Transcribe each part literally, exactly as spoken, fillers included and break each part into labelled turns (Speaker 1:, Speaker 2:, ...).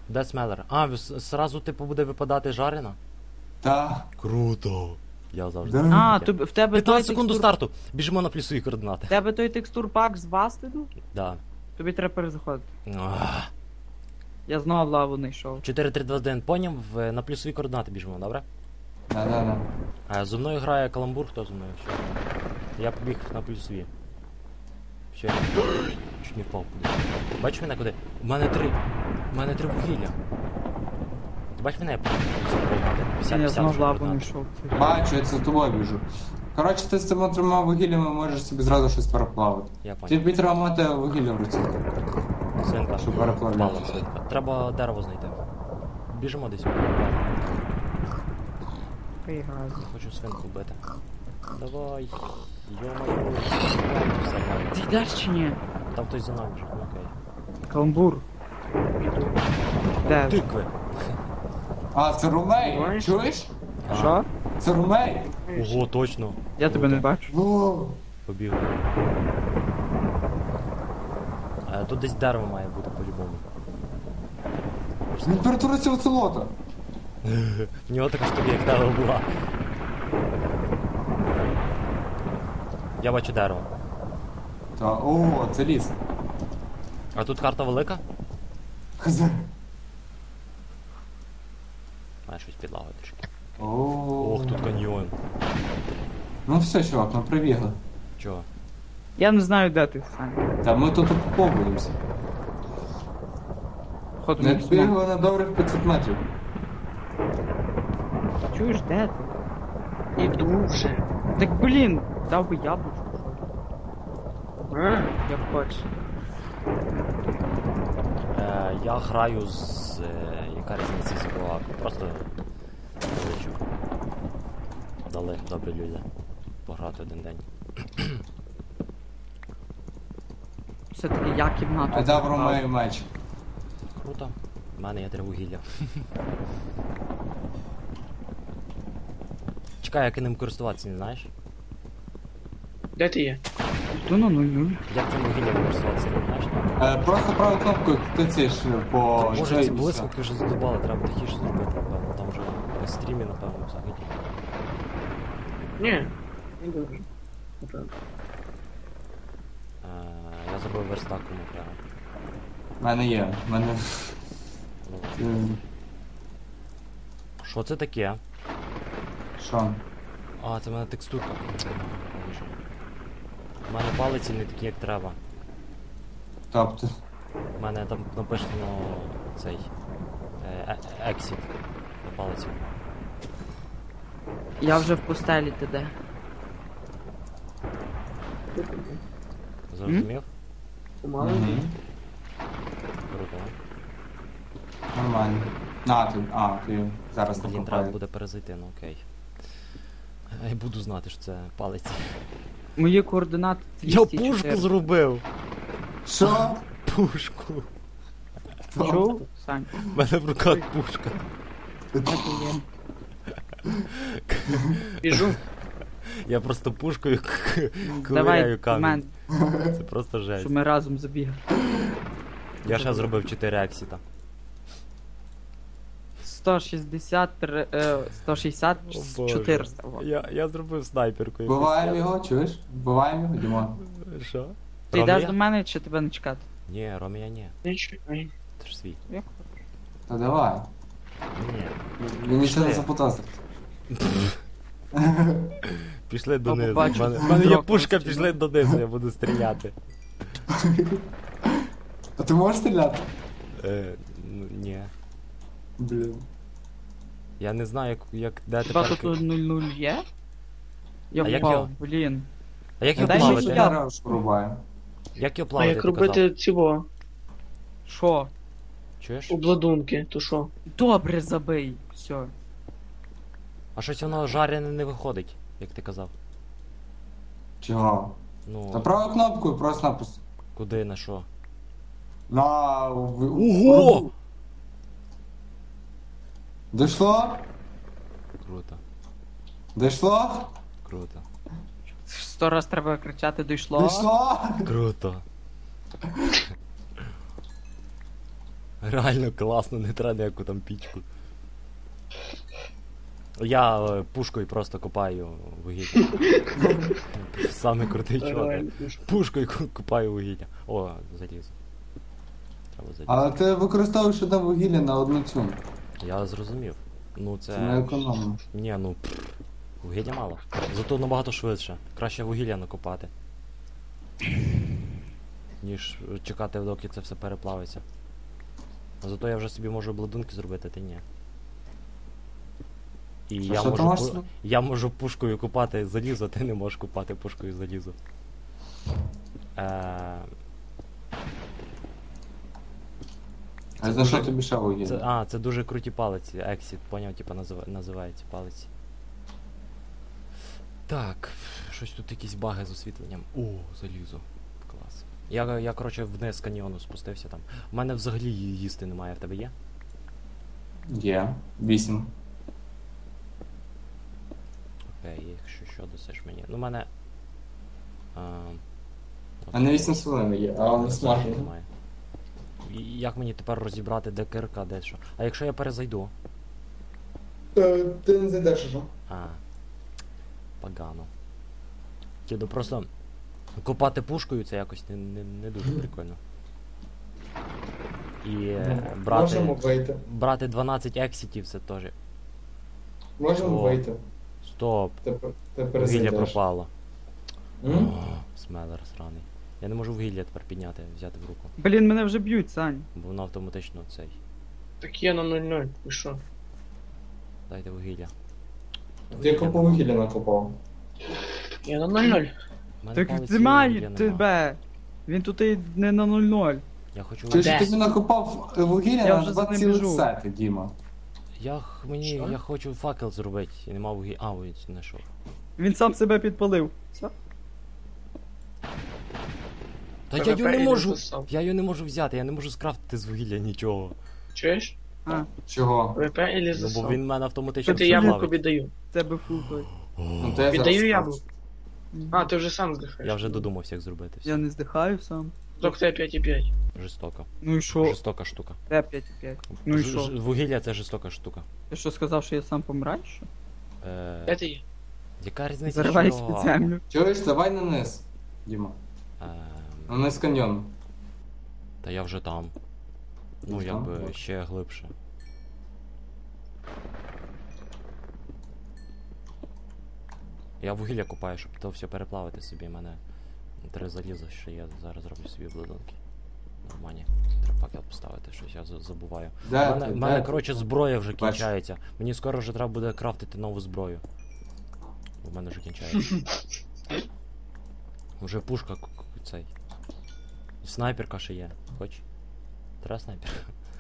Speaker 1: Де смелер? А, с- сразу типу буде випадати жарена?
Speaker 2: Та.
Speaker 1: Круто. Я завжди.
Speaker 2: Да.
Speaker 3: А,
Speaker 1: таке.
Speaker 3: тобі, в тебе той
Speaker 1: п'ятнадцять секунд до
Speaker 3: текстур...
Speaker 1: старту. Біжимо на плюсові координати.
Speaker 3: В тебе той текстур пак з Бастеду?
Speaker 1: Да.
Speaker 3: Тобі треба перезаходити.
Speaker 1: Ах.
Speaker 3: Я знову лаву не йшов.
Speaker 1: чотири три два один, поняв? В- На плюсові координати біжимо, добре?
Speaker 2: Да-да-да.
Speaker 1: А зі мною грає каламбур, хто зі мною? Що? Я побіг на плюсові. Що? Чуть не впав кудись. Бачиш мене куди? У мене три. У мене три вугілля. Ти бачиш мене? Я побіг на плюсові координати. п'ятдесят,
Speaker 3: Я знову
Speaker 1: п'ятдесят
Speaker 3: лаву не
Speaker 1: координати.
Speaker 3: йшов.
Speaker 2: Бачу, я за тобою біжу. Коротше, ти з цими трьома вугіллями можеш собі зразу щось переплавити.
Speaker 1: Я понял.
Speaker 2: Тобі треба мати вугілля в руці.
Speaker 1: Свинка.
Speaker 2: Щоб переплавляти.
Speaker 1: Впала свинка. Треба дерево знайти. Біжимо десь.
Speaker 3: Пригаз.
Speaker 1: Хочу свинку вбити. Давай. Йо-моє. Все, ладно.
Speaker 3: Ти йдеш чи ні?
Speaker 1: Там хтось за нами вже. Ну, окей.
Speaker 3: Каламбур. Де?
Speaker 1: Тикви.
Speaker 2: А, це румей!
Speaker 3: Бачиш?
Speaker 2: Чуєш?
Speaker 3: Що?
Speaker 2: Це румей!
Speaker 1: Ого, точно.
Speaker 3: Я тебе не бачу.
Speaker 2: Во!
Speaker 1: Побігли. Е, Тут десь дерево має бути по-любому.
Speaker 2: Він перетворився в оцелота.
Speaker 1: В нього така штука, як дерево була. Я бачу дерево.
Speaker 2: Та, о, це ліс.
Speaker 1: А тут карта велика?
Speaker 2: Хз.
Speaker 1: Має щось підлагою трішки.
Speaker 2: О.
Speaker 1: Ох, тут каньйон.
Speaker 2: Ну все, чувак, ми прибігли.
Speaker 1: Чого?
Speaker 3: Я не знаю, де ти, Саня.
Speaker 2: Та ми тут окуповуємося.
Speaker 3: Походу
Speaker 2: Ми
Speaker 3: не знаю.
Speaker 2: бігли на добрих п'ятсот метрів.
Speaker 3: Чуєш, де ти?
Speaker 4: Іду вже.
Speaker 3: Так блін, дав би яблучко.
Speaker 4: А?
Speaker 3: Я хочу.
Speaker 1: Е, я граю з... Е, яка різниця з кого? Просто... Кличу. Дали, добрі люди. Пограти один день.
Speaker 3: Все-таки я кімнату.
Speaker 2: А дав
Speaker 3: забрав.
Speaker 2: румею меч.
Speaker 1: Круто. У мене є три вугілля. Чекай, як ним користуватися, не знаєш?
Speaker 4: Де ти є?
Speaker 3: Йду на нуль-нуль.
Speaker 1: Як цим вугіллям користуватися, не знаєш?
Speaker 2: Е, просто правою кнопкою тицяєш по
Speaker 1: Може, ці
Speaker 2: шеї і все.
Speaker 1: блискавки вже задобали, треба тихіше зробити, напевно. Там вже на стрімі, напевно, взагалі.
Speaker 4: Ні. Не дуже. Напевно.
Speaker 1: Е, я зробив верстак кому прямо.
Speaker 2: В мене є. В мене...
Speaker 1: Ну,
Speaker 2: Е,
Speaker 1: що це таке?
Speaker 2: Що?
Speaker 1: А, це в мене текстурка. У мене палиці не такі, як треба.
Speaker 2: Тобто...
Speaker 1: У мене там написано цей... Е, е- Exit на палиці.
Speaker 3: Я вже в пустелі, ти де?
Speaker 1: Зрозумів?
Speaker 4: Помало.
Speaker 2: Мгм.
Speaker 1: Круто.
Speaker 2: Нормально. На, ти... А, ти зараз
Speaker 1: Блін, треба
Speaker 2: покопаєш.
Speaker 1: буде перезайти, ну окей. Я буду знати, що це палиці.
Speaker 3: Мої координати
Speaker 1: Я
Speaker 3: двісті
Speaker 1: пушку
Speaker 3: чотири.
Speaker 1: зробив!
Speaker 2: Що?
Speaker 1: Пушку!
Speaker 3: Чув? Сань,
Speaker 1: У мене в руках пушка.
Speaker 3: де ти є?
Speaker 4: Біжу.
Speaker 1: Я просто пушкою к-
Speaker 3: Давай,
Speaker 1: ковиряю
Speaker 3: в мене,
Speaker 1: камінь. Це просто жесть.
Speaker 3: щоб ми разом забігли.
Speaker 1: Я ще зробив чотири ексіта.
Speaker 3: сто шістдесят, три, е, сто шістдесят,
Speaker 1: О, Боже.
Speaker 3: чотириста. во.
Speaker 1: Я, я зробив снайперку. якусь.
Speaker 2: Вбиваємо
Speaker 1: Я-
Speaker 2: його, чуєш? Вбиваємо його, Дімон.
Speaker 1: Що?
Speaker 3: Ти йдеш
Speaker 1: Ромія?
Speaker 3: до мене чи тебе не чекати?
Speaker 1: Ні, Ромія ні.
Speaker 4: Не чекай.
Speaker 1: Це ж свій.
Speaker 3: Як?
Speaker 2: Та давай.
Speaker 1: Ні.
Speaker 2: Він нічого не
Speaker 1: Пішли.
Speaker 2: запутався.
Speaker 1: Пішли
Speaker 3: Та
Speaker 1: донизу. У
Speaker 3: побачив,
Speaker 1: мене, в мене є
Speaker 3: дракон
Speaker 1: пушка,
Speaker 3: стріляє.
Speaker 1: пішли донизу, я буду стріляти.
Speaker 2: А ти можеш стріляти?
Speaker 1: Е, ну, ні.
Speaker 2: Блін.
Speaker 1: Я не знаю, як, як де
Speaker 3: Хіба
Speaker 1: тепер...
Speaker 3: тут нуль-нуль є? Я
Speaker 1: А як його?
Speaker 3: впав, блін.
Speaker 1: А як його
Speaker 3: Дай
Speaker 2: Дай
Speaker 3: мені
Speaker 2: ще
Speaker 1: плавати?
Speaker 3: я.
Speaker 2: дерево шурубаємо.
Speaker 1: Як його
Speaker 4: А
Speaker 1: плавати,
Speaker 4: як
Speaker 1: ти казав?
Speaker 4: робити цього?
Speaker 3: Що?
Speaker 1: Чуєш?
Speaker 4: Обладунки, то що?
Speaker 3: Добре, забий. Все.
Speaker 1: А щось воно жарене не виходить, як ти казав.
Speaker 2: Чого?
Speaker 1: Ну,
Speaker 2: Та правою кнопкою просто-напросто.
Speaker 1: куди, на що?
Speaker 2: На... в-
Speaker 1: Ого!
Speaker 2: Дійшло?
Speaker 1: Круто,
Speaker 2: Дійшло?
Speaker 1: круто,
Speaker 3: Сто раз треба кричати дійшло.
Speaker 2: Дійшло?
Speaker 1: круто. Реально класно, не треба ніяку там пічку. Я е, пушкою просто копаю вугілля. Саме крутий чувак.
Speaker 4: Реально, ну що?
Speaker 1: Пушкою ку- копаю вугілля. О, залізо. Треба залізо.
Speaker 2: Але ти використовуєш одне вугілля на одну цю.
Speaker 1: Я зрозумів. Ну
Speaker 2: Це не
Speaker 1: це.
Speaker 2: економно.
Speaker 1: Ні, ну пф, вугілля мало. Зато набагато швидше. Краще вугілля накопати. Ніж чекати, доки це все переплавиться. Зато я вже собі можу обладунки зробити, ти ні. І
Speaker 2: Що,
Speaker 1: я
Speaker 2: що ти
Speaker 1: можу,
Speaker 2: можеш
Speaker 1: пу-
Speaker 2: собі?
Speaker 1: я можу пушкою купати залізо, ти не можеш купати пушкою залізо. Е...
Speaker 2: А за що тобі ще вугілля?
Speaker 1: Це, а, це дуже круті палиці, Exit, поняв, типа назива, називається палиці. Так, щось тут якісь баги з освітленням. О, залізо. Клас. Я, я коротше, вниз каньйону спустився там. У мене взагалі ї- їсти немає, в тебе є?
Speaker 2: Є. Вісім.
Speaker 1: Окей, якщо що, досиш мені. Ну, в мене. А,
Speaker 2: А не вісім хвилин є, а не
Speaker 1: взагалі
Speaker 2: смажено.
Speaker 1: немає. І як мені тепер розібрати, де кирка, де що? А якщо я перезайду?
Speaker 2: Ти не зайдеш уже.
Speaker 1: А. Погано. Тіду просто копати пушкою це якось не, не, не дуже прикольно. І е, брати,
Speaker 2: Можемо вийти.
Speaker 1: брати дванадцять ексітів це теж.
Speaker 2: Можемо
Speaker 1: О.
Speaker 2: вийти.
Speaker 1: Стоп,
Speaker 2: Тепер, тепер
Speaker 1: вугілля
Speaker 2: зайдеш.
Speaker 1: пропало.
Speaker 2: М?
Speaker 1: О, смелер сраний. Я не можу вугілля тепер підняти, взяти в руку,
Speaker 3: Блін, мене вже б'ють, Сань.
Speaker 1: бо воно автоматично цей.
Speaker 4: Так я на нуль нуль, ви що?
Speaker 1: Дайте вугілля.
Speaker 2: Ти купу вугілля накопав.
Speaker 4: Я на нуль нуль.
Speaker 1: В мене
Speaker 3: Так
Speaker 1: палиці
Speaker 3: знімаю
Speaker 1: вугілля нема.
Speaker 3: тебе. Він тут і не на нуль нуль.
Speaker 1: Я хочу
Speaker 2: Ти
Speaker 1: вугілля.
Speaker 2: ж тобі накопав е, вугілля
Speaker 3: Я
Speaker 2: на
Speaker 3: вже
Speaker 2: два
Speaker 3: за ним
Speaker 2: цілих
Speaker 3: біжу.
Speaker 2: сети, Діма.
Speaker 1: Я, х- мені,
Speaker 4: Що?
Speaker 1: я хочу факел зробити, і нема вугілля. А, ось знайшов.
Speaker 3: Він сам себе підпалив. Все?
Speaker 1: Та я
Speaker 4: ПВП
Speaker 1: його не
Speaker 4: і
Speaker 1: можу.
Speaker 4: написав.
Speaker 1: Я його не можу взяти, я не можу скрафтити з вугілля нічого.
Speaker 4: Чуєш?
Speaker 3: А,
Speaker 2: Чого?
Speaker 4: ВП или
Speaker 1: Ну бо
Speaker 4: засов?
Speaker 1: він в мене автоматично
Speaker 4: Що ти
Speaker 1: все
Speaker 4: яблуко
Speaker 1: плавить.
Speaker 4: віддаю?
Speaker 3: в тебе фул той.
Speaker 2: Ну, то я зараз
Speaker 4: Віддаю
Speaker 2: скажу.
Speaker 4: яблуко. А, ти вже сам здихаєш.
Speaker 1: Я вже додумався, як зробити все.
Speaker 3: Я не здихаю сам.
Speaker 4: Тільки тебе п'ять і п'ять.
Speaker 1: Жорстоко.
Speaker 3: Ну і що?
Speaker 1: Жорстока штука.
Speaker 3: Де п'ять п'ять? Ну і
Speaker 1: Ж-
Speaker 3: що?
Speaker 1: ж- Вугілля це жорстока штука.
Speaker 3: Ти що сказав, що я сам помираю, що?
Speaker 1: Е,
Speaker 4: П'ять є.
Speaker 1: яка різниця?
Speaker 3: Зариваюсь
Speaker 1: що?
Speaker 3: під землю.
Speaker 2: Чуєш, давай на низ, Діма.
Speaker 1: Ем,
Speaker 2: На низ каньйону.
Speaker 1: Та я вже там. Ну,
Speaker 2: Вже там?
Speaker 1: якби ще глибше. Я вугілля купаю, щоб то все переплавити собі. У мене три заліза, що я зараз зроблю собі обладунки. Нормальні. Треба факел поставити, щось я за- забуваю. У
Speaker 2: Де
Speaker 1: мене,
Speaker 2: ти?
Speaker 1: в мене
Speaker 2: Де
Speaker 1: коротше,
Speaker 2: ти?
Speaker 1: зброя вже
Speaker 2: Бачу.
Speaker 1: кінчається. Мені скоро вже треба буде крафтити нову зброю. У мене вже кінчається. Уже пушка к- к- цей. Снайперка ще є. Хоч? Треба снайперка.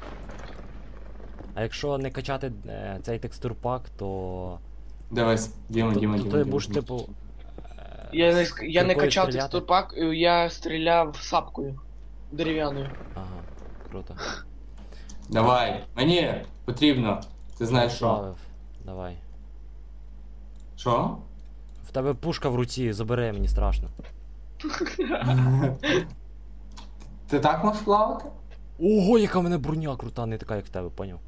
Speaker 1: А якщо не качати е, цей текстурпак, то.
Speaker 2: Дивись, Діма,
Speaker 1: то,
Speaker 2: Діма,
Speaker 1: то
Speaker 2: Діма.
Speaker 1: ти
Speaker 2: Діма.
Speaker 1: будеш типу. е,
Speaker 4: Я не,
Speaker 1: з
Speaker 4: ск- я не
Speaker 1: киркою
Speaker 4: качав
Speaker 1: стріляти?
Speaker 4: текстурпак, я стріляв сапкою. Дерев'яною.
Speaker 1: Ага, круто.
Speaker 2: Давай, мені потрібно. Ти знаєш що?
Speaker 1: Правив. Давай.
Speaker 2: Що?
Speaker 1: В тебе пушка в руці, забери, мені страшно.
Speaker 2: Ти так можеш плавати?
Speaker 1: Ого, яка в мене броня крута, не така, як в тебе, поняв?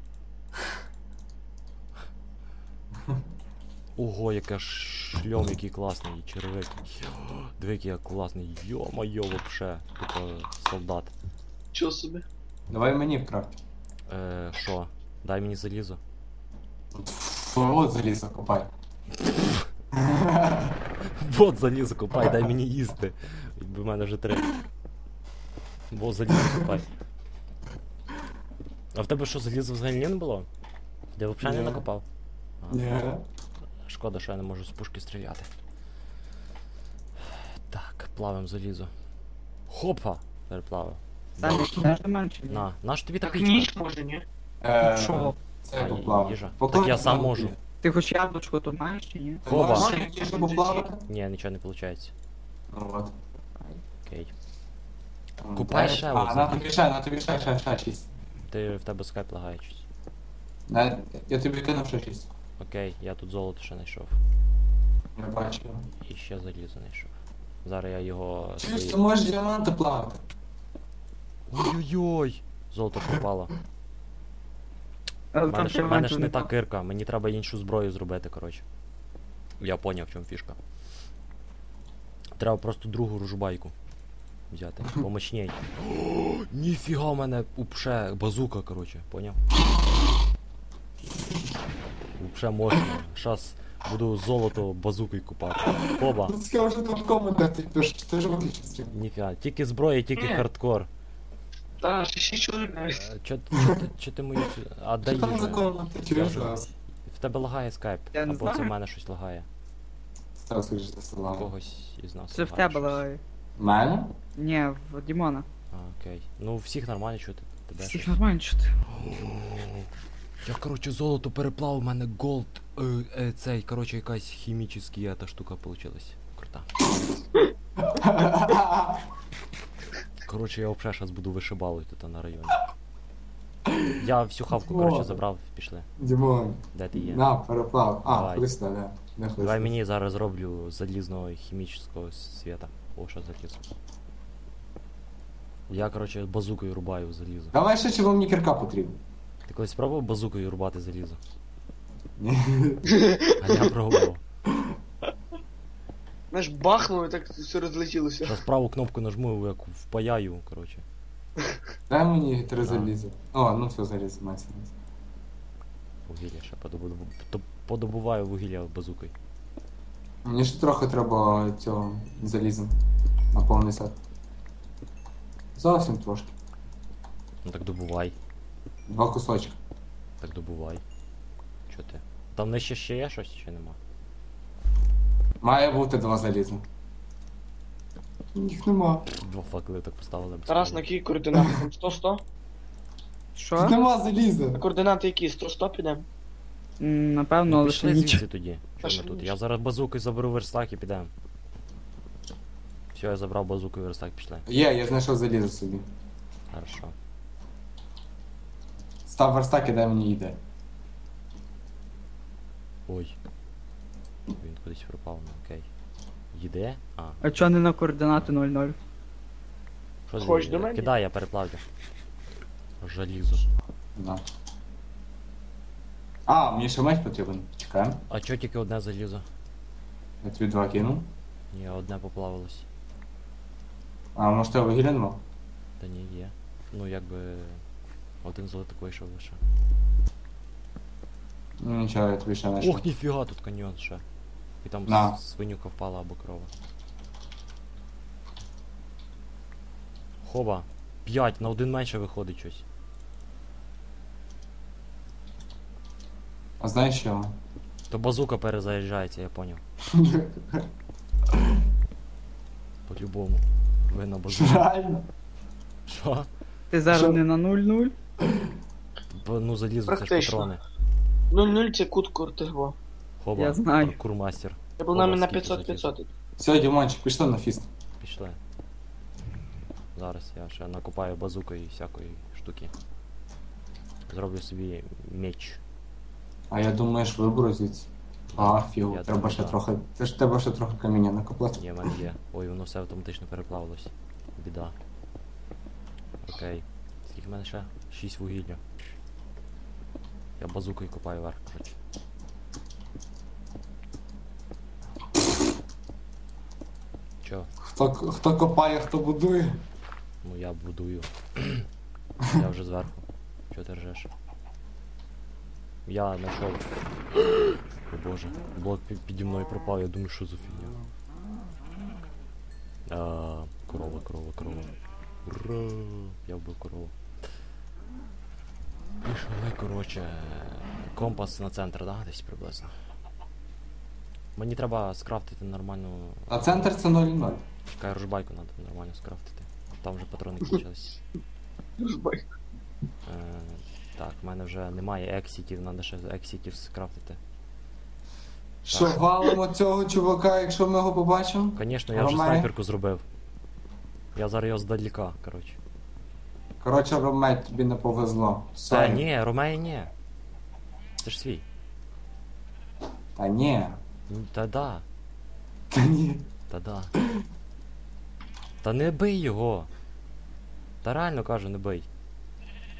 Speaker 1: Ого, яка шльом, який класний, і червик. Диви, який я класний. Йо-моє, вообще. Типа солдат.
Speaker 4: Чого собі?
Speaker 2: Давай мені вкрафт.
Speaker 1: Е, що? Дай мені залізо.
Speaker 2: От залізо копай.
Speaker 1: Вот залізо копай, дай мені їсти. Якби в мене вже три. Во залізо копай. А в тебе що, залізо взагалі не було? Ти взагалі не
Speaker 2: Ні.
Speaker 1: накопав? А,
Speaker 2: Ні.
Speaker 1: Шкода, що я не можу з пушки стріляти. Так, плавим залізо. Хопа! Переплавив.
Speaker 3: Саня, кидаєш до мене чи ні?
Speaker 1: На, наш тобі
Speaker 4: Так
Speaker 1: така
Speaker 4: ніч може, ні?
Speaker 2: Е,
Speaker 3: Що?
Speaker 2: Це
Speaker 1: А,
Speaker 2: поплавати.
Speaker 1: їжа.
Speaker 2: Поплавати
Speaker 1: Так я сам
Speaker 2: на
Speaker 1: можу.
Speaker 2: воді.
Speaker 3: Ти хоч яблучко тут маєш чи ні?
Speaker 2: Ти
Speaker 1: Хоба.
Speaker 2: можеш їжу поплавати?
Speaker 1: Ні, нічого не виходить.
Speaker 2: Ну от.
Speaker 1: Окей.
Speaker 2: Там,
Speaker 1: Купай
Speaker 2: де-
Speaker 1: ще
Speaker 2: А,
Speaker 1: оце.
Speaker 2: на тобі ще, на тобі ще, ще, ще шість.
Speaker 1: Ти в тебе скайп лагає щось.
Speaker 2: На- Я тобі кинув ще шість.
Speaker 1: Окей, я тут золото ще знайшов.
Speaker 2: Я бачу.
Speaker 1: І ще залізо знайшов. Зараз я його.
Speaker 2: Чуєш,
Speaker 1: свої-
Speaker 2: ти можеш діаманти плавати.
Speaker 1: Ой-ой-ой! Золото пропало.
Speaker 3: Але
Speaker 1: У
Speaker 3: там
Speaker 1: мене, ж- в мене
Speaker 3: діамантів
Speaker 1: ж не
Speaker 3: нема.
Speaker 1: та кирка, мені треба іншу зброю зробити, коротше. Я поняв, в чому фішка. Треба просто другу ружбайку взяти. Помощней. О, ніфіга в мене упше базука, коротше, поняв? Упше мощно. Щас буду золото базукою купати. Оба.
Speaker 2: Ну цікаво, що там в коментах ти пишеш, ти ж виключив стрім.
Speaker 1: Ніфіга. Тільки зброя, тільки
Speaker 4: Ні.
Speaker 1: хардкор.
Speaker 4: Та, ще шість чоловік навіть.
Speaker 1: Е, Чо, чо, ти- чо ти мою цю... А дай
Speaker 2: Що там за
Speaker 1: їжу.
Speaker 2: коменти?
Speaker 1: Я
Speaker 2: Чуєш
Speaker 1: вже-
Speaker 2: зараз?
Speaker 1: В тебе лагає скайп.
Speaker 3: Я не
Speaker 1: Або це в
Speaker 3: знаю.
Speaker 1: мене щось лагає.
Speaker 2: Став скажи, що це
Speaker 1: У
Speaker 2: лагає.
Speaker 1: когось із нас.
Speaker 3: Це в
Speaker 1: лагає
Speaker 3: тебе
Speaker 1: щось.
Speaker 3: лагає.
Speaker 2: Мене?
Speaker 3: Ні, в Дімона.
Speaker 1: А, окей. Ну, у всіх нормально чути. Тебе
Speaker 3: Всіх
Speaker 1: щось.
Speaker 3: нормально чути.
Speaker 1: Я, коротше, золото переплав, у мене голд, е, е, цей, коротше, якась хімічна та штука получилась. Крута. Коротше, я взагалі зараз буду вишибалити тут на районі. Я всю хавку, коротше, забрав, пішли.
Speaker 2: Дімон,
Speaker 1: Де ти є?
Speaker 2: на, переплав. А,
Speaker 1: Давай.
Speaker 2: ходи сюди, да. Не ходи
Speaker 1: Давай
Speaker 2: сюди.
Speaker 1: мені зараз зроблю залізного хімічного світа. О, що залізо. Я, коротше, базукою рубаю залізо.
Speaker 2: Давай ще чого мені кірка потрібна.
Speaker 1: Ти колись пробував базукою рубати залізо?
Speaker 2: Ні.
Speaker 1: А я пробував.
Speaker 4: Знаєш, бахнуло і так все розлетілося.
Speaker 1: Зараз праву кнопку нажму, як впаяю, коротше.
Speaker 2: Дай мені три
Speaker 1: На.
Speaker 2: заліза. О, ну все, заліз, мається. на увазі.
Speaker 1: Вугілля ще подобу... то- подобуваю вугілля базукою.
Speaker 2: Мені ще трохи треба цього заліза. На повний сет. Зовсім трошки.
Speaker 1: Ну так добувай.
Speaker 2: Два кусочки.
Speaker 1: Так добувай. Чо ти? Там нижче ще є щось чи нема?
Speaker 2: Має бути два заліза. Їх нема.
Speaker 1: Два факели так поставили. без
Speaker 4: Тарас, на
Speaker 1: проблем.
Speaker 4: які координати? Там сто сто?
Speaker 2: Тут
Speaker 3: Що?
Speaker 2: нема
Speaker 4: На
Speaker 2: заліза.
Speaker 4: координати які? сто сто підемо?
Speaker 3: М, Напевно,
Speaker 1: Ну,
Speaker 3: але
Speaker 1: пішли
Speaker 3: ще ніч.
Speaker 1: звідси тоді. Що
Speaker 4: Пішли
Speaker 1: ми тут?
Speaker 4: ніч.
Speaker 1: Я зараз базукою заберу верстак і підемо. Все, я забрав базукою верстак, пішли.
Speaker 2: Є, я знайшов залізо собі.
Speaker 1: Хорошо.
Speaker 2: Став верстак і дай мені йде.
Speaker 1: Ой. Він кудись пропав, ну окей. Їде? А.
Speaker 3: А чого не на координати нуль нуль?
Speaker 1: Що
Speaker 4: Хочеш
Speaker 1: ти-
Speaker 4: до мене?
Speaker 1: Кидай, я переплавлю. Жалізо.
Speaker 2: Да. А, мені ще меч потрібен. Чекаємо.
Speaker 1: А чо тільки одне залізо?
Speaker 2: Я тобі два кину.
Speaker 1: Ні, одне поплавилось.
Speaker 2: А, може тебе вугілля нема?
Speaker 1: Та ні, є. Ну якби. Один золотик вийшов лише.
Speaker 2: Ну нічого, я тобі ще знайшов.
Speaker 1: Ох, ніфіга, тут каньйон ще. І там
Speaker 2: На.
Speaker 1: с- свинюка впала або крова. Хоба. П'ять, на один менше виходить щось.
Speaker 2: А знаєш що?
Speaker 1: То базука перезаряджається, я поняв. По-любому. Ви на базуку.
Speaker 2: Реально?
Speaker 1: Що?
Speaker 3: Ти зараз
Speaker 2: Що?
Speaker 3: не на нуль нуль?
Speaker 1: Бо, ну залізо, це ж
Speaker 4: Практично.
Speaker 1: патрони.
Speaker 4: нуль нуль це кут кортигво.
Speaker 1: Хоба,
Speaker 3: Я знаю.
Speaker 1: паркурмастер.
Speaker 4: Я був нами на
Speaker 1: скільки
Speaker 4: п'ятсот
Speaker 1: залізо?
Speaker 4: п'ятсот.
Speaker 2: Все, Дімончик, пішли на фіст.
Speaker 1: Пішли. Зараз я ще накопаю базукою і всякої штуки. Зроблю собі меч.
Speaker 2: А я думаю, що виберу звідси. А, фігу,
Speaker 1: Я
Speaker 2: треба
Speaker 1: думаю,
Speaker 2: ще
Speaker 1: да.
Speaker 2: трохи. Ти ж треба ще трохи каміння накопати.
Speaker 1: Є, в мене є. Ой, воно все автоматично переплавилось. Біда. Окей. Скільки в мене ще? Шість вугілля. Я базукою копаю вверх, коротше. Чо?
Speaker 2: Хто, хто копає, хто будує.
Speaker 1: Ну я будую. Я вже зверху. Чого ти ржеш? Я знайшов. О боже, блок пі- піді мною пропав, я думаю, що за фігня. А, корова, корова, корова. Ура! Я вбив корову. Пішли, коротше. Компас на центр, да? Десь приблизно. Мені треба скрафтити нормальну.
Speaker 2: А центр це нуль нуль.
Speaker 1: Чекай, ружбайку треба нормально скрафтити. Там вже патрони кінчились.
Speaker 4: Жбай.
Speaker 1: Е, так, в мене вже немає ексітів, треба ще ексітів скрафтити.
Speaker 2: Що, валимо цього чувака, якщо ми його побачимо?
Speaker 1: Звісно, я вже
Speaker 2: Ромео?
Speaker 1: снайперку зробив. Я зараз його здаліка, коротше.
Speaker 2: Коротше, Ромей, тобі не повезло.
Speaker 1: Та
Speaker 2: Сорі.
Speaker 1: ні, Ромеї ні. Це ж свій.
Speaker 2: Та ні.
Speaker 1: Ну, Та да,
Speaker 2: Та ні.
Speaker 1: та да. Та не бий його. Та реально кажу, не бий.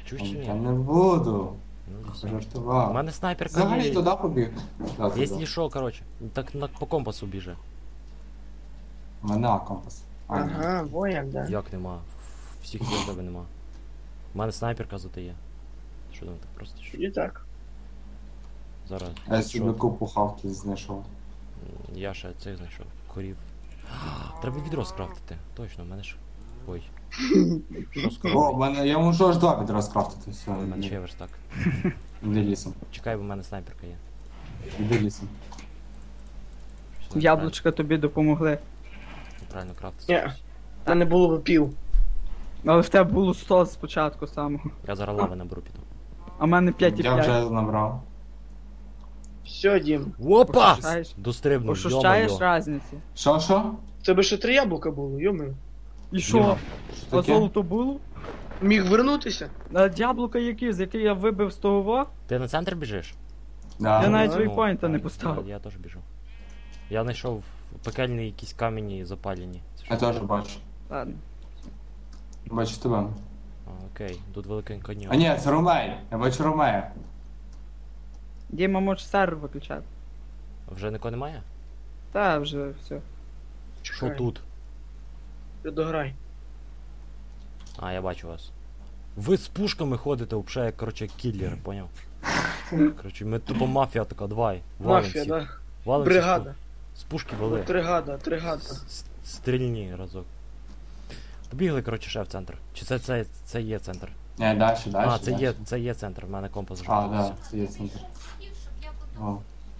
Speaker 1: Чуєш чи
Speaker 2: Я
Speaker 1: ні?
Speaker 2: не буду.
Speaker 1: Ну, все. У
Speaker 2: Жартував.
Speaker 1: мене снайперка
Speaker 2: Взагалі
Speaker 1: є.
Speaker 2: туди побіг. Да, туди.
Speaker 1: Якщо що, коротше, так на, по компасу біже.
Speaker 2: У мене А компас. А, ні.
Speaker 4: Ага, во як, да.
Speaker 1: Як нема? Всіх є, в тебе нема. У мене снайперка зате є. Що там так просто? Що?
Speaker 4: І так.
Speaker 1: Зараз.
Speaker 2: А я
Speaker 1: що?
Speaker 2: собі купу хавки знайшов.
Speaker 1: М, Я ще цих знайшов. Корів. Треба відро скрафтити. Точно, в мене ж. Ой. Що з
Speaker 2: О, в
Speaker 1: коровою?
Speaker 2: мене я можу аж два відра скрафтити. Все,
Speaker 1: У мене ще є
Speaker 2: іди,
Speaker 1: верстак.
Speaker 2: іди лісом.
Speaker 1: Чекай, бо в мене снайперка є.
Speaker 2: Іди лісом.
Speaker 1: Щось
Speaker 3: Яблучка тобі допомогли.
Speaker 1: Неправильно, неправильно крафтити.
Speaker 4: Ні.
Speaker 1: щось.
Speaker 4: Та не було б пів.
Speaker 3: Але в тебе було сто спочатку самого.
Speaker 1: Я зараз лави наберу піду.
Speaker 3: А в мене п'ять і
Speaker 2: Я
Speaker 3: п'ять.
Speaker 2: вже набрав.
Speaker 4: Все, Дім.
Speaker 1: Опа!
Speaker 3: Ощущаєш?
Speaker 1: Дострибнув,
Speaker 3: Ощущаєш
Speaker 1: йо-моє.
Speaker 3: різниці?
Speaker 2: Що, що?
Speaker 4: В тебе ще три яблука було, йоми.
Speaker 3: І що?
Speaker 2: Що
Speaker 3: А
Speaker 2: таке?
Speaker 3: золото було?
Speaker 4: Міг вернутися?
Speaker 3: А яблука які, з яких я вибив з того во?
Speaker 1: Ти на центр біжиш?
Speaker 2: Да.
Speaker 3: Я навіть
Speaker 4: Ну,
Speaker 3: вейпойнта не
Speaker 1: я-
Speaker 3: поставив.
Speaker 1: Я, я теж біжу. Я знайшов пекельні якісь камені запалені. Це
Speaker 2: Я
Speaker 1: що?
Speaker 2: теж бачу.
Speaker 3: Ладно.
Speaker 2: Бачу тебе.
Speaker 1: А, окей, тут великий каньйон.
Speaker 2: А ні, це Ромей. Я бачу Ромея.
Speaker 3: Діма може сервер виключати.
Speaker 1: Вже нікого немає?
Speaker 3: Та вже все.
Speaker 1: Що
Speaker 4: Чекай.
Speaker 1: тут?
Speaker 4: Ти дограй.
Speaker 1: А, я бачу вас. Ви з пушками ходите, взагалі, як, коротше, кіллери, поняв? Коротше, ми тупо мафія така, давай. Валим
Speaker 4: Мафія,
Speaker 1: всіх.
Speaker 4: да.
Speaker 1: Валим всіх з
Speaker 4: Бригада.
Speaker 1: пу- З пушки вали.
Speaker 4: Тригада, тригада.
Speaker 1: С- с- Стрільні разок. Побігли, коротше, ще в центр. Чи це, це, це є центр?
Speaker 2: Ні, далі, далі.
Speaker 1: А, це
Speaker 2: далі.
Speaker 1: є, це є центр, в мене компас вже.
Speaker 2: А, да, це є центр. О.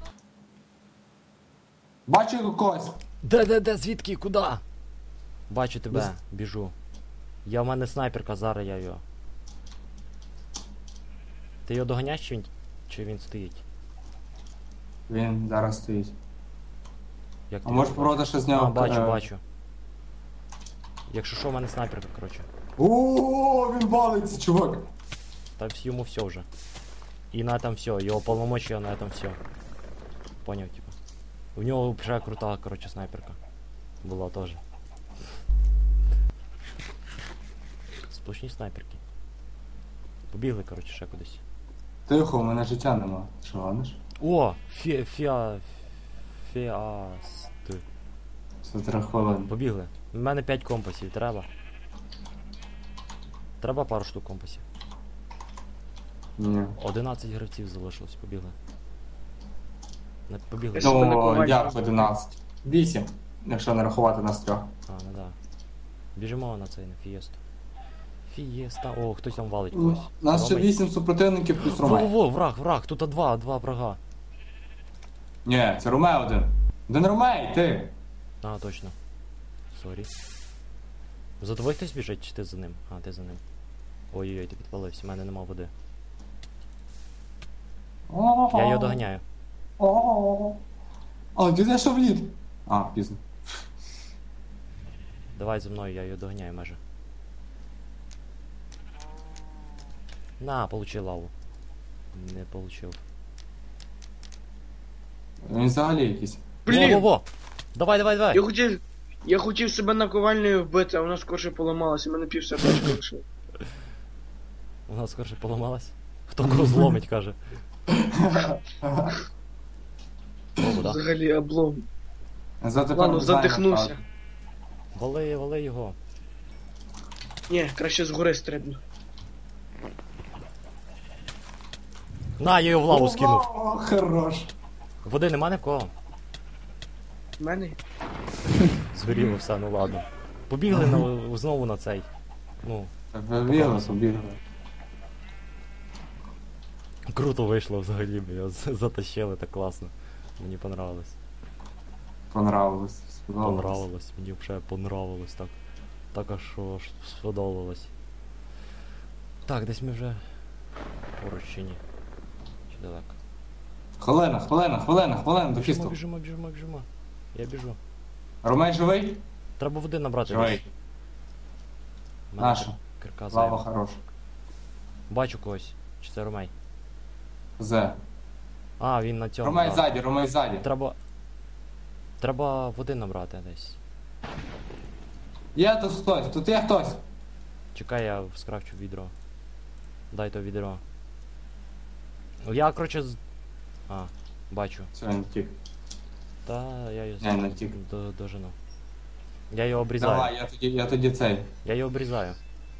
Speaker 2: Бачу когось.
Speaker 1: Де, де, де, звідки, куди? Бачу тебе,
Speaker 2: Десь-
Speaker 1: біжу. Я в мене снайперка, зараз я його. Ти його доганяєш, чи він, чи він стоїть?
Speaker 2: Він зараз стоїть.
Speaker 1: Як
Speaker 2: А
Speaker 1: ти
Speaker 2: можеш
Speaker 1: його
Speaker 2: попробувати ще з нього.
Speaker 1: А, бачу,
Speaker 2: е,
Speaker 1: бачу. Якщо що, в мене снайперка, коротше.
Speaker 2: О, він валиться, чувак.
Speaker 1: Та вс- йому все вже. І на этом все, його полномочия на этом все. Поняв, типа. У нього вже крута, коротше, снайперка. Була теж. Сплошні снайперки. Побігли, коротше, ще кудись.
Speaker 2: Тихо, у мене життя нема. Що, ладиш?
Speaker 1: О! Фі... Фіа... Фіаст.
Speaker 2: Все три хвилини.
Speaker 1: Побігли. У мене п'ять компасів, треба. Треба пару штук компасів.
Speaker 2: Ні.
Speaker 1: одинадцять гравців залишилось, побігли. Не побігли.
Speaker 4: Я себе на
Speaker 2: Ну,
Speaker 4: ковальні
Speaker 2: як
Speaker 4: розбив.
Speaker 2: одинадцять. Вісім, якщо не рахувати нас трьох.
Speaker 1: А, ну да. Біжимо на цей, на фієсту. Фієста. О, хтось там валить когось.
Speaker 2: Нас ще
Speaker 1: Ромей.
Speaker 2: вісім супротивників плюс Ромей.
Speaker 1: Во-во-во, враг, враг, тут два, два врага.
Speaker 2: Ні, це Ромей один. Один Ромей, ти.
Speaker 1: А, точно. Сорі. За тобою хтось біжить, чи ти за ним? А, ти за ним. Ой-ой-ой, ти підпалився, в мене нема води. Я його доганяю.
Speaker 2: О, ти зайшов в лід. А, пізно.
Speaker 1: Давай за мною, я його доганяю майже. На, получи лаву. Не получив.
Speaker 2: Він взагалі якийсь.
Speaker 4: Блін!
Speaker 1: Во-во-во! Давай, давай, давай!
Speaker 4: Я хотів. Я хотів себе наковальнею вбити, а вона скорше поламалася, у мене пів сердечка лишило.
Speaker 1: Вона скорше поламалась. Хто кого зломить, каже. О, да.
Speaker 4: Взагалі облом.
Speaker 2: За тепер
Speaker 4: Ладно,
Speaker 2: не знаю,
Speaker 4: задихнувся.
Speaker 2: направду.
Speaker 1: Вали, вали його.
Speaker 4: Ні, краще згори стрибну.
Speaker 1: На, я його в лаву скинув.
Speaker 2: О, хорош.
Speaker 1: Води нема ні в кого.
Speaker 4: В мене?
Speaker 1: Згоріло все, ну ладно. Побігли на, знову на цей. Ну,
Speaker 2: Побігли, побігли.
Speaker 1: круто вийшло взагалі, бо його з- затащили так класно. Мені понравилось.
Speaker 2: Понравилось. Сподобалось.
Speaker 1: Понравилось, мені вже понравилось так. Так аж що аж сподобалось. Так, десь ми вже поруч чи ні? Чи далеко?
Speaker 2: Хвилина, хвилина, хвилина, хвилина до
Speaker 1: Біжимо,
Speaker 2: фісту.
Speaker 1: біжимо, біжимо, біжимо. Я біжу.
Speaker 2: Ромей живий?
Speaker 1: Треба води набрати.
Speaker 2: Живий.
Speaker 1: десь. У мене
Speaker 2: Наша.
Speaker 1: кир- Кирка
Speaker 2: Лава
Speaker 1: зайва.
Speaker 2: хорош.
Speaker 1: Бачу когось. Чи це Ромей?
Speaker 2: Зе.
Speaker 1: А, він на цьому.
Speaker 2: Ромей
Speaker 1: так.
Speaker 2: ззаді, Ромей ззаді.
Speaker 1: Треба. Треба води набрати десь.
Speaker 2: Є тут хтось, тут є хтось.
Speaker 1: Чекай, я скрафчу відро. Дай то відро. Я, короче, з... А, бачу.
Speaker 2: Все, він втік.
Speaker 1: Та я його
Speaker 2: Не, не втік.
Speaker 1: до, дожену. Я його обрізаю.
Speaker 2: Давай, я тоді, я тоді цей.
Speaker 1: Я його обрізаю.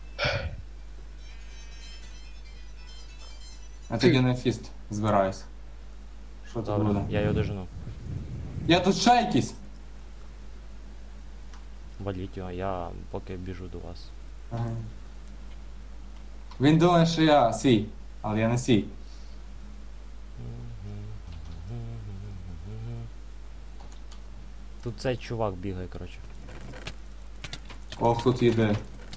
Speaker 2: Я тоді на фіст збираюсь. Що тут
Speaker 1: Добре,
Speaker 2: буде?
Speaker 1: я його дожену.
Speaker 2: Я тут ще якийсь.
Speaker 1: Валіть його, я поки біжу до вас.
Speaker 2: Ага. Він думає, що я свій, але я не свій.
Speaker 1: Тут цей чувак бігає, коротше.
Speaker 2: Ох, тут їде.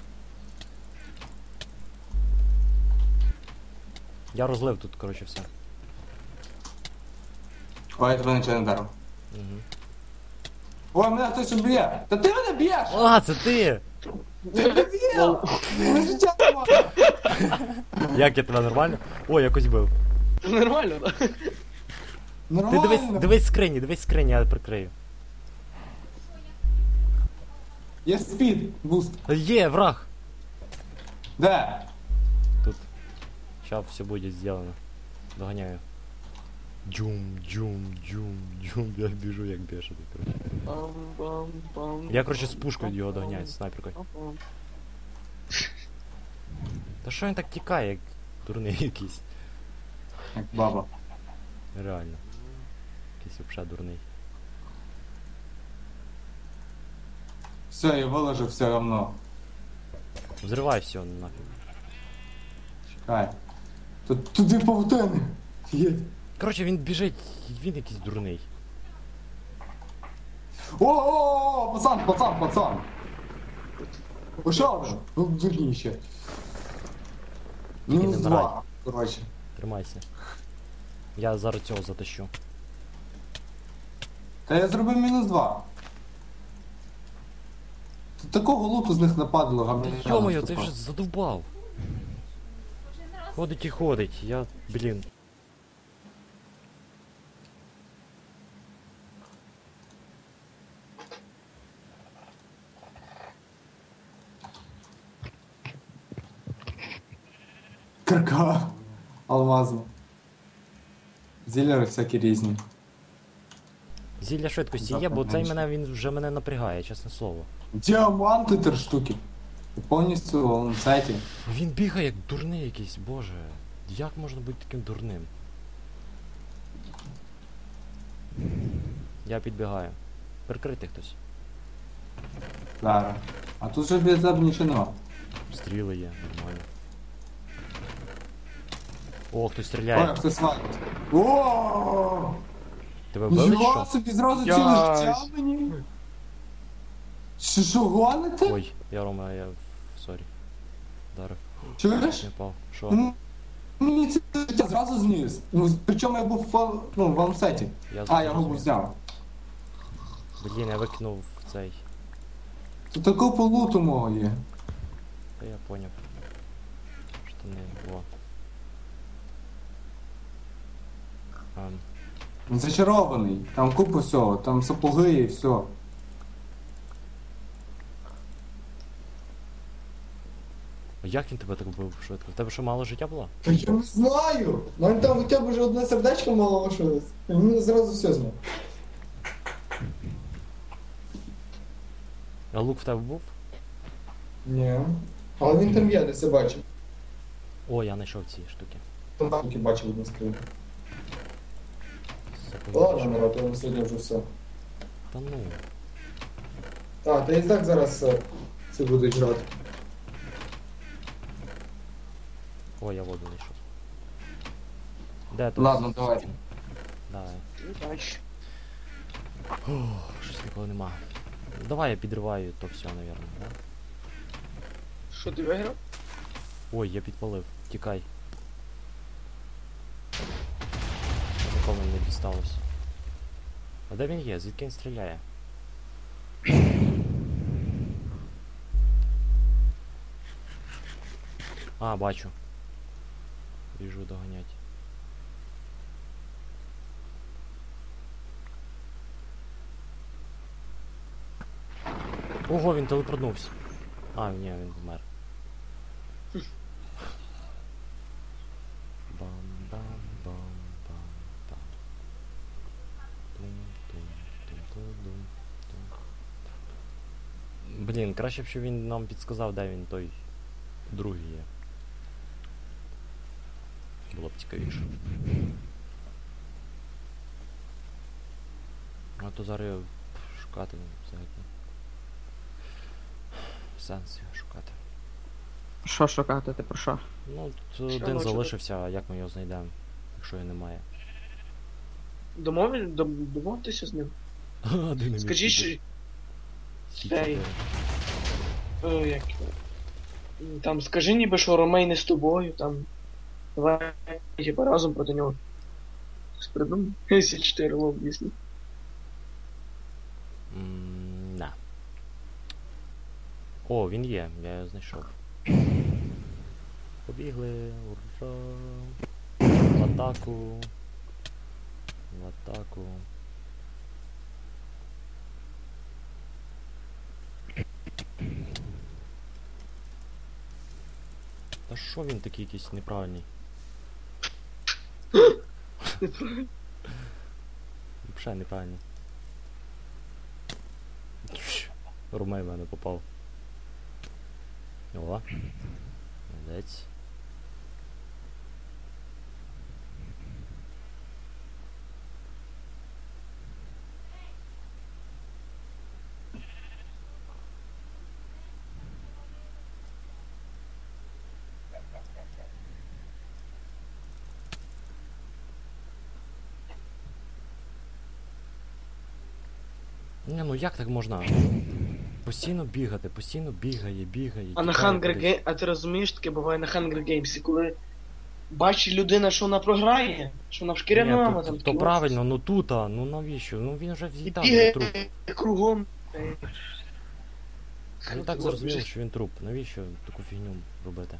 Speaker 1: Я розлив тут, коротше, все.
Speaker 2: Ой, я тебе нічого не дарив.
Speaker 1: Угу.
Speaker 2: Ой, мене хтось б'є! Та ти мене б'єш!
Speaker 1: А, це ти!
Speaker 2: Ти мене б'є! Мене життя немає!
Speaker 1: Як я тебе нормально? О, якось бив.
Speaker 4: Це нормально, так?
Speaker 1: Ти
Speaker 2: Нормально!
Speaker 1: дивись, дивись скрині, дивись скрині, я прикрию.
Speaker 2: Є спід, буст.
Speaker 1: Є, враг!
Speaker 2: Де?
Speaker 1: Тут. Сейчас все будет сделано. Доганяю. Джум, джум, джум, джум. Я біжу як бешений, короче. Я, короче, з пушкою його доганяю, з снайперкою. Та що він так тікає, як дурний якийсь?
Speaker 2: Як баба.
Speaker 1: Реально. Якийсь вообще дурний.
Speaker 2: Все, я виложив все равно.
Speaker 1: Взривай все нафіг.
Speaker 2: Чекай. Тут туди павутини. Є.
Speaker 1: Короче, він біжить, він якийсь дурний.
Speaker 2: О-о-о, пацан, пацан, пацан. Пішов вже. Ну, дурніше.
Speaker 1: Тільки
Speaker 2: Мінус
Speaker 1: не вмирай.
Speaker 2: два. Коротше.
Speaker 1: Тримайся. Я зараз цього затащу.
Speaker 2: Та я зробив мінус два. Тут такого луту з них нападало, гамняна.
Speaker 1: Йо-моє, ти вже задовбав. Ходить і ходить, я, блін.
Speaker 2: Карка. Алмазна. Зілери всякі різні.
Speaker 1: Зілля швидкості є, бо цей мене, він вже мене напрягає, чесне слово.
Speaker 2: Діаманти три штуки. І повністю в ланцеті.
Speaker 1: Він бігає як дурний якийсь, боже. Як можна бути таким дурним? Я підбігаю. Прикрити хтось.
Speaker 2: Зараз. А тут же біля тебе нічого нема.
Speaker 1: Стріли є, нормально. О, хтось
Speaker 2: Ой,
Speaker 1: стріляє.
Speaker 2: хтось валить. О!
Speaker 1: Тебе вбили
Speaker 2: Нічого
Speaker 1: що?
Speaker 2: собі зразу
Speaker 4: Я-
Speaker 2: ціле життя мені. Що, що гоните?
Speaker 1: Ой, я Рома, я... Сорі. Дарив.
Speaker 2: Чуєш?
Speaker 1: Не впав. Що?
Speaker 2: Ну, Мені це життя зразу зніс. Ну, причому я був в, фа- ну, в ланцеті.
Speaker 1: Я
Speaker 2: А, я губу
Speaker 1: зрозумів.
Speaker 2: зняв.
Speaker 1: Блін, я викинув цей.
Speaker 2: Тут таку полуту мого є.
Speaker 1: Та я поняв. Штани. Во. Ем,
Speaker 2: Він зачарований. Там купа всього, там сапоги і все.
Speaker 1: а як він тебе так вбив швидко? В тебе що, мало життя було?
Speaker 2: Та я не знаю. У мене там хоча б вже одне сердечко мало лишилось. І він зразу все зняв.
Speaker 1: А лук в тебе був?
Speaker 2: Ні. Але він там є, десь я бачив.
Speaker 1: О, я знайшов ці штуки.
Speaker 2: Там танки бачив одну скриню.
Speaker 1: Сапоги
Speaker 2: Ладно,
Speaker 1: знайшов.
Speaker 2: народ, я на сьогодні вже все.
Speaker 1: Та ну.
Speaker 2: Так, та і так зараз е, це будуть жрати.
Speaker 1: О, я воду знайшов. Де тут?
Speaker 2: Ладно, давай.
Speaker 1: Давай.
Speaker 4: Удачі.
Speaker 1: Ох, щось нікого нема. Давай я підриваю то все, наверное, да?
Speaker 4: Що ти виграв?
Speaker 1: Ой, я підпалив. Тікай. Нікому не дісталось. А де він є? Звідки він стріляє? А, бачу. Біжу доганять. Ого, він телепортнувся. А, ні, він вмер. Бам-бам-бам-бам-бам. Тум-тум-тум-тум-тум. Блін, краще б, щоб він нам підсказав, де він той другий є. Було б цікавіше. А то зараз його шукати взагалі. Сенс його шукати.
Speaker 3: Що шукати, ти про що?
Speaker 1: Ну,
Speaker 4: Що
Speaker 1: тут один
Speaker 4: може
Speaker 1: залишився, а як ми його знайдемо, якщо його немає.
Speaker 4: Домові... дом- Домовтеся з ним. Скажіть, що... Цей... Е, як... його? Там, скажи ніби, що Ромей не з тобою, там... Давай, типа, разом проти нього. Щось придумав? Сі чотири лоб, дійсно.
Speaker 1: Да. О, він є, я його знайшов. Побігли, ура! В атаку. В атаку. Та що він такий якийсь неправильний? Взагалі неправильний. Румей в мене попав. О, молодець. Не, ну як так можна? Постійно бігати, постійно бігає, бігає.
Speaker 4: А на
Speaker 1: тікає
Speaker 4: Hunger
Speaker 1: кудись.
Speaker 4: Games, а ти розумієш, таке буває на Hunger Games, коли бачить людина, що вона програє, що вона в
Speaker 1: Ні,
Speaker 4: шкіряному,
Speaker 1: то,
Speaker 4: там
Speaker 1: то
Speaker 4: такі
Speaker 1: правильно, ну тут, а, ну навіщо? Ну він вже
Speaker 4: І
Speaker 1: в'їдав на труп.
Speaker 4: бігає кругом. Е,
Speaker 1: Я так зрозуміло, що він труп. Навіщо таку фігню робити?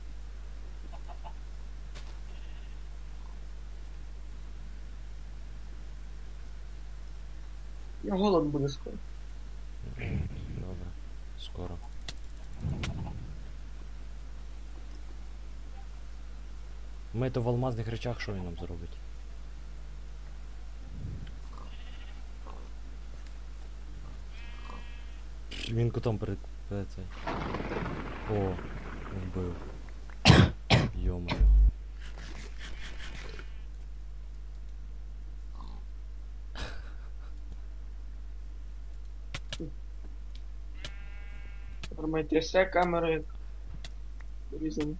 Speaker 4: Я голод буде скоро.
Speaker 1: М, Добре, скоро. Ми то в алмазних речах, що він нам зробить? Він кутом перед перед цей. О, вбив. Йо-моє.
Speaker 4: Тримайте все, камери. Різані.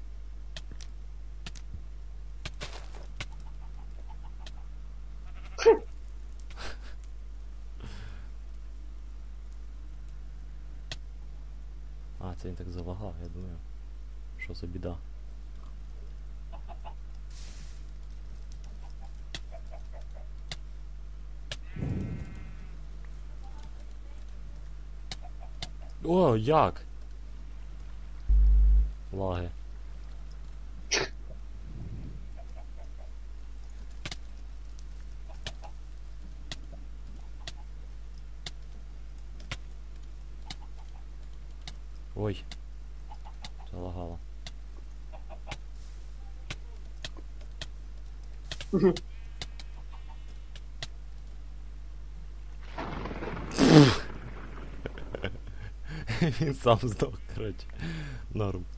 Speaker 1: А, це він так залагав, я думаю. Що за біда? О, як? Лаги. Ой. Залагало. Він сам здох, коротше. Норм.